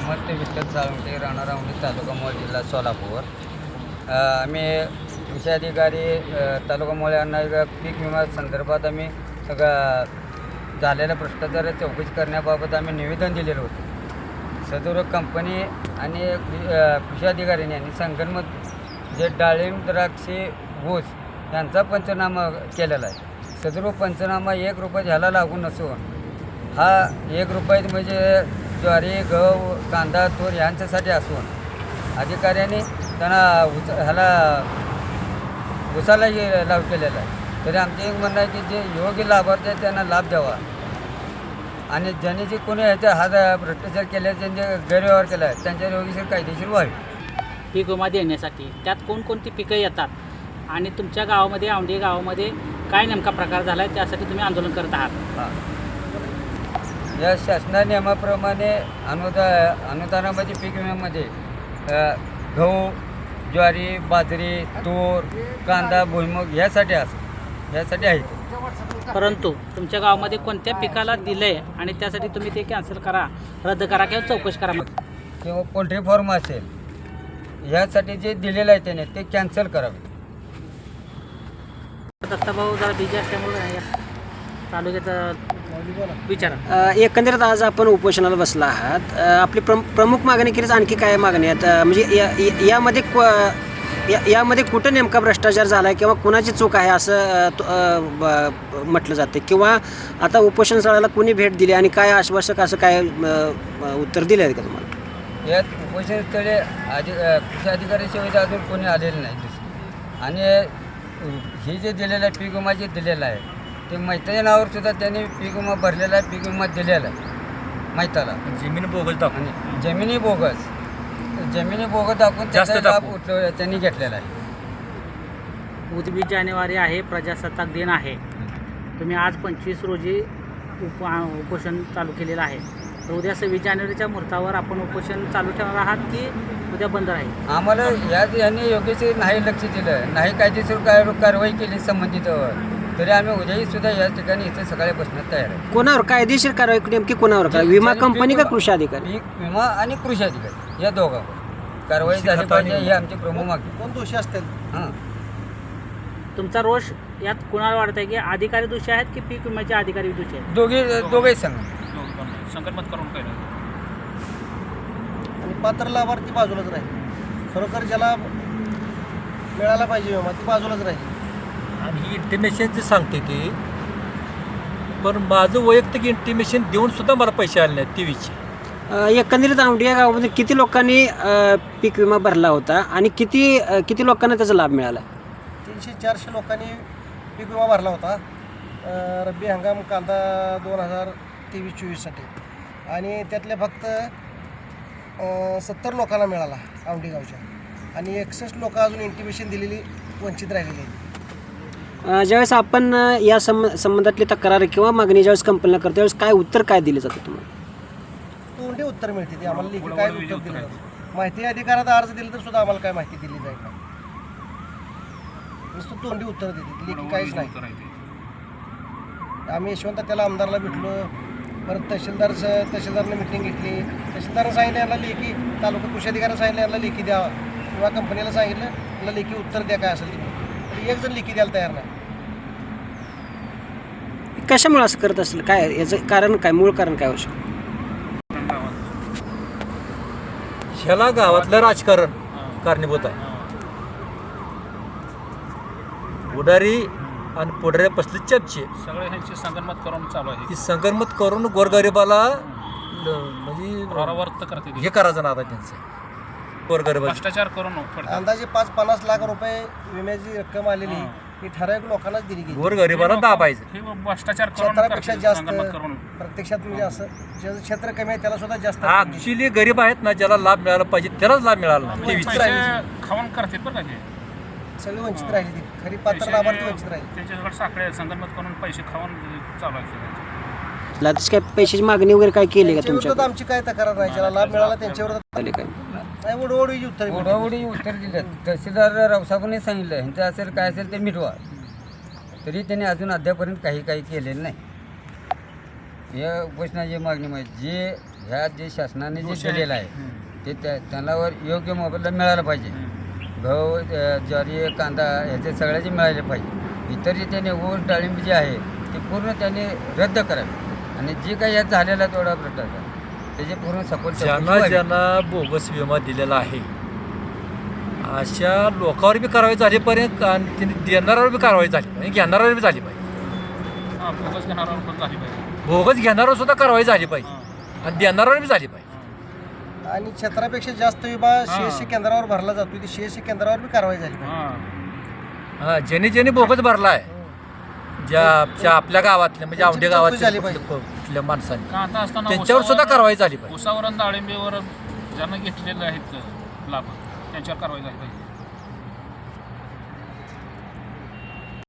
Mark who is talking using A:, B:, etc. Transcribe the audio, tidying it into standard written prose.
A: समर्थ विठ्ठल साळुंखे, राहणार औंढी, तालुका मोहोळ, जिल्हा सोलापूर. आम्ही कृषी अधिकारी तालुका मोहोळ यांना पीक विमा संदर्भात आम्ही झालेल्या भ्रष्टाचार चौकशी करण्याबाबत आम्ही निवेदन दिलेलं होतं. सदर कंपनी आणि कृषी अधिकाऱ्यांनी आणि संगणमत जे डाळिंब, द्राक्षे, ऊस यांचा पंचनामा केलेला आहे. सदर पंचनामा 1 रुपया ह्याला लागून नसून हा 1 रुपये म्हणजे ज्वारी, गहू, कांदा, तूर यांच्यासाठी असून अधिकाऱ्यांनी त्यांना ह्याला उसाला लाभ केलेला आहे. तरी आमचे एक म्हणणं आहे की जे योग्य लाभार्थी आहेत त्यांना लाभ द्यावा आणि ज्यांनी जे कोणी ह्याच्या हा भ्रष्टाचार केला, ज्यांचे गैरव्यवहार केला आहे त्यांच्या योग्यशीर कायदेशीर व्हावी.
B: पीक विमा देण्यासाठी त्यात कोणकोणती पिकं येतात आणि तुमच्या गावामध्ये, औंढी गावामध्ये काय नेमका प्रकार झाला आहे त्यासाठी तुम्ही आंदोलन करत आहात?
A: हां, या शासना नियमाप्रमाणे अनुदानामध्ये पीक विम्यामध्ये गहू, ज्वारी, बाजरी, तूर, कांदा, भुईमूग यासाठी आहे.
B: परंतु तुमच्या गावामध्ये कोणत्या पिकाला दिलं आहे आणि त्यासाठी तुम्ही ते कॅन्सल करा, रद्द करा किंवा चौकशी करा
A: किंवा पोल्ट्री फार्म असेल यासाठी जे दिलेलं आहे त्याने ते कॅन्सल करावे.
B: दत्ताभाऊ जरा बिजी असल्यामुळे तालुक्याचा विचारा.
C: एकंदरीत आज आपण उपोषणाला बसला आहात. आपली प्रमुख मागणी केलीच आणखी काय मागणी आहेत? म्हणजे यामध्ये कुठं नेमका भ्रष्टाचार झाला आहे किंवा कुणाची चूक आहे असं म्हटलं जातं, किंवा आता उपोषण स्थळाला कुणी भेट दिली आणि काय आश्वासक असं काय उत्तर दिलं आहे का तुम्हाला?
A: यात उपोषण स्थळे कृषी अधिकाऱ्याशिवाय अजून कोणी आलेलं नाही. आणि हे जे दिलेलं आहे पीक विमा जे दिलेलं आहे ते मैताच्या नावावर सुद्धा त्यांनी पीक विमा भरलेला आहे, पीक विमा दिलेला आहे मैताला.
D: जमीन बोगस दाखवून
A: आणि जमिनी बोगस दाखवून त्याचा लाभ त्यांनी घेतलेला आहे.
B: 29 जानेवारी आहे, प्रजासत्ताक दिन आहे. तुम्ही आज 25 रोजी उपोषण चालू केलेलं आहे. तर उद्या 26 जानेवारीच्या मुहूर्तावर आपण उपोषण चालू ठेवणार आहात की उद्या बंद राहील?
A: आम्हाला यांनी योग्यशीर नाही लक्ष दिलं, नाही कायदेशीर कारवाई केली संबंधितवर, तरी आम्ही उद्याही सुद्धा या ठिकाणी इथे सकाळी बसण्यात तयार आहे.
C: कोणावर कायदेशीर कारवाई नेमकी कोणावर करा? विमा कंपनी का कृषी अधिकारी?
A: पीक विमा आणि कृषी अधिकारी या दोघांवर कारवाई झाली पाहिजे ही आमची प्रमुख मागणी.
E: कोण दोषी असतील?
A: हां,
B: तुमचा रोष यात कुणाला वाटत आहे की अधिकारी दोषी आहेत की पीक विम्याचे अधिकारी दोषी आहेत?
A: दोघेही संघ
D: संकल्पत करून केलं
E: आणि पात्र लाभार्थी बाजूलाच राहील. खरोखर ज्याला मिळाला पाहिजे विमा ती बाजूलाच राहील.
D: आणि ही इंटिमेशनची सांगते ती, पण माझं वैयक्तिक इंटिमेशन देऊन सुद्धा मला पैसे आले नाहीत टीव्हीचे.
C: एकंदरीत औंढी या गावामध्ये किती लोकांनी पीक विमा भरला होता आणि किती लोकांना त्याचा लाभ मिळाला?
E: 300-400 लोकांनी पीक विमा भरला होता रब्बी हंगाम कांदा 2023-24साठी, आणि त्यातल्या फक्त 70 लोकांना मिळाला औंढी गावच्या, आणि 61 लोक अजून इंटिमेशन दिलेली वंचित राहिलेली आहेत.
C: ज्यावेळेस आपण या संबंधातली तक्रार किंवा मागणी ज्यावेळेस कंपनीला करतो त्यावेळेस काय उत्तर काय दिलं जातं तुम्हाला?
E: तोंडी उत्तर मिळते ते आम्हाला, लेखी काय उत्तर दिलं जातं? माहिती अधिकारात अर्ज दिला तर सुद्धा आम्हाला काय माहिती दिली जाईल का? नुसतं तोंडी उत्तर देते, लेखी काहीच नाही. आम्ही यशवंत त्याला आमदारला भेटलो, परत तहसीलदारने मिटिंग घेतली. तहसीलदारनं सांगितलं यांना लेखी, तालुका कृषी अधिकाऱ्यानं सांगितलं यांना लेखी द्यावा, किंवा कंपनीला सांगितलं यांना लेखी उत्तर द्या काय असेल ते. एक जण लेखी द्यायला तयार नाही.
C: कशामुळे असं करत असेल? काय याचं कारण काय, मूळ कारण काय होऊ शकतं?
D: ह्याला गावातलं राजकारण कारणीभूत आहे. पुढारी आणि पुढाऱ्या बसले चपचे
F: सगळे ह्यांची संगनमत करून चालू आहे.
D: ती संगनमत करून गोरगरिबाला म्हणजे
F: प्रवृत्त करते
D: हे करायचं ना आता त्यांचं गोरगरिबा
F: भ्रष्टाचार करून
E: अंदाजे 5-50 लाख रुपये विम्याची रक्कम आलेली ही ठराविक लोकांनाच दिली गेली.
D: गोरगरिबाला दाबायचं.
F: हे भ्रष्टाचार करून
E: क्षेत्रापेक्षा
F: करते,
E: जास्त
F: संगनमत करून.
E: प्रत्यक्षात म्हणजे असं ज्याचं क्षेत्र कमी आहे त्याला सुद्धा जास्त
D: ऍक्च्युली गरीब आहेत ना, ज्याला लाभ मिळाला पाहिजे त्यालाच लाभ मिळाला नाही.
F: पैसे खाऊन करते बरं का हे.
E: सगळी वंचित राहिली ती, खरी पात्र लाभार्थी वंचित राहिली.
F: त्यांच्याकडे साखळे संगनमत करून पैसे खाऊन चालू आहे.
C: काय पैशाची मागणी वगैरे काय केली का
E: त्यांच्या विरोधात आमची काय तक्रार नाही, ज्याला लाभ मिळाला त्यांच्या विरोधात
C: तुमच्या काय?
E: नाही ओढवडीची उत्तर
A: ओढाओढी उत्तर दिले. तहसीलदार रावसाहेबांनी सांगितलं ह्यांचं असेल काय असेल ते मिटवा, तरी त्यांनी अजून अद्यापर्यंत काही केलेलं नाही. या उपोषणाची मागणी म्हणजे जे ह्या जे शासनाने जे दिलेलं आहे ते त्यांनावर योग्य मोबदला मिळाला पाहिजे. गहू ज्वारी कांदा ह्याचे सगळ्याचे मिळाले पाहिजे. इतर जे त्याने ऊस डाळिंब जे आहे ते पूर्ण त्यांनी रद्द करावे आणि जे काही यात झालेला तेवढा भ्रष्टाचार त्याचे पूर्ण सपोर्ट
D: ज्यांना बोगस विमा दिलेला आहे अशा लोकांवर बी कारवाई झालीपर्यंत आणि त्यांनी देणाऱ्यावर बी कारवाई झाली पाहिजे, घेणाऱ्यावर बी झाली पाहिजे.
F: हां बोगस घेणाऱ्यावर पण झाली पाहिजे.
D: बोगस घेणाऱ्यावर सुद्धा कारवाई झाली पाहिजे आणि देणाऱ्यावर बी झाली पाहिजे.
E: आणि क्षेत्रापेक्षा जास्त विमा सीएससी केंद्रावर भरला जातो, ती सीएससी केंद्रावर बी कारवाई झाली पाहिजे.
F: हां
D: हां ज्यांनी बोगस भरला आहे ज्या आपल्या गावातल्या म्हणजे
E: त्यांची
D: औंढे
E: चौकशी झाली
D: गावातल्या
E: पाहिजे.
D: कुठल्या माणसांनी
F: कांदा असताना
D: त्यांच्यावर सुद्धा कारवाई झाली पाहिजे.
F: उसावर आणि डाळिंबीवर ज्यांना घेतलेले आहेत लाभ त्यांच्यावर कारवाई झाली पाहिजे.